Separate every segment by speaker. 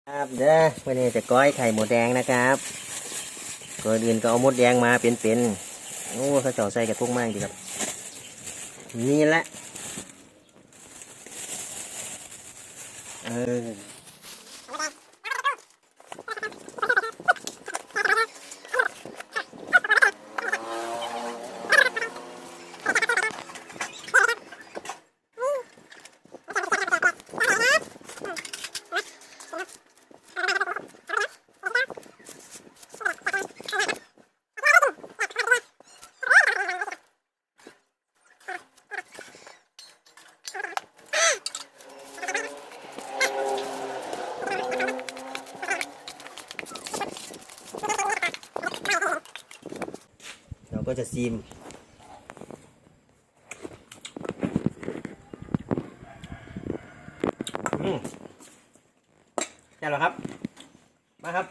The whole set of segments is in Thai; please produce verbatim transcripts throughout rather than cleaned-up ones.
Speaker 1: ครับเด้อวันนี้จะก้อยไข่หมูแดงนะครับก่อนอื่นก็เอามดแดงมาเป็นๆโอ้เขาเจาะใส่กระทุ้งมากดีครับนี่แหละเออเราก็จะซีมอืมใช่หรอครับมาครับ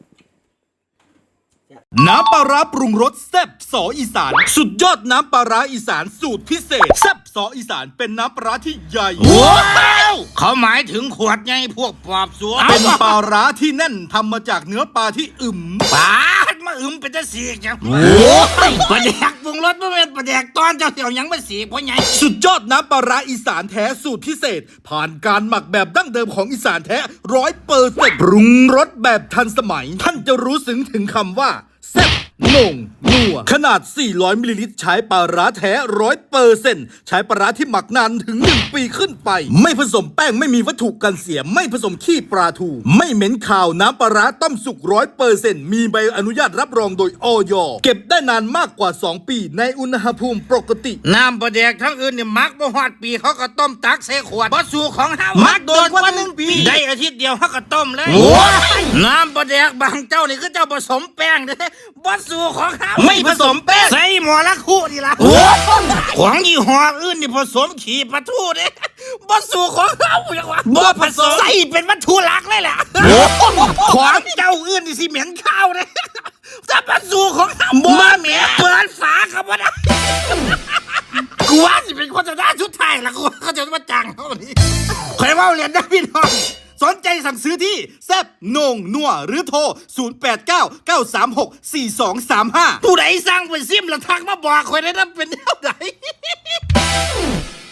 Speaker 2: น้ำปลาร้าปรุงรสแซ่บสออีสานสุดยอดน้ำปลาร้าอีสานสูตรพิเศษแซ่บสออีสานเป็นน้ำปลาร้าที่ใหญ่ว้าวเขาหมายถึงขวดไงพวกปอบสัวเป็นปลาร้าที่แน่นทำมาจากเนื้อปลาที่อึมปลามาอึมเป็นจะสีจังโอ้ยปลาแดกปรุงรสไม่เป็นปลาแดกตอนเจ้าเสี่ยวยังไม่สีเพราะไงสุดยอดน้ำปลาร้าอีสานแท้สูตรพิเศษผ่านการหมักแบบดั้งเดิมของอีสานแท้ร้อยเปอร์เซ็นต์ปรุงรสแบบทันสมัยท่านจะรู้ซึ้งถึงคำว่าแซ่บโหน่งนัวขนาดสี่ร้อยมิลลิลิตรใช้ปลาร้าแท้ ร้อยเปอร์เซ็นต์ ใช้ปลาร้าที่หมักนานถึงหนึ่งปีขึ้นไปไม่ผสมแป้งไม่มีวัตถุกันเสียไม่ผสมขี้ปลาทูไม่เหม็นคาวน้ำปลาร้าต้มสุก ร้อยเปอร์เซ็นต์ มีใบอนุญาตรับรองโดยอย.เก็บได้นานมากกว่าสองปีในอุณหภูมิปกติน้ำปลาแดกทั้งอื่นเนี่ยมักบ่ฮอดปีเขาก็ต้มตักใส่ขวดบ่สู่ของเฮามักโดนกว่าหนึ่งปีได้อาทิตย์เดียวเขาก็ต้มเลยน้ำปลาแดกบางเจ้านี่คือเจ้าผสมแป้งเด้บ่สู่ของเฮาไม่ผสมแป้งใส่หมอละคู่นี่ล่ะของยี่ห้ออื่นนี่ผสมขี้ปลาทูเด้บ่สู่ของเฮาจังวะบ่ผสมใส่เป็นวัตถุหลักเลยแหละของเจ้าอื่นนี่สิเหม็นข้าวเด้ถ้าผสมของเฮาบ่เหม็นเปิดฝาก็บ่ได้กูว่าสิเป็นโฆษณาชุดไทยล่ะกูเขาจะมาจ้างเฮานี่ใครว่าเรียนได้พี่น้องสนใจสั่งซื้อที่แซ่บโหน่งนัวหรือโทรศูนย์ แปด เก้า เก้า สาม หก สี่ สอง สาม ห้าผู้ใดสั่งไปซิมแล้วทักมาบอกคนได้นะเป็นเท่าไหร่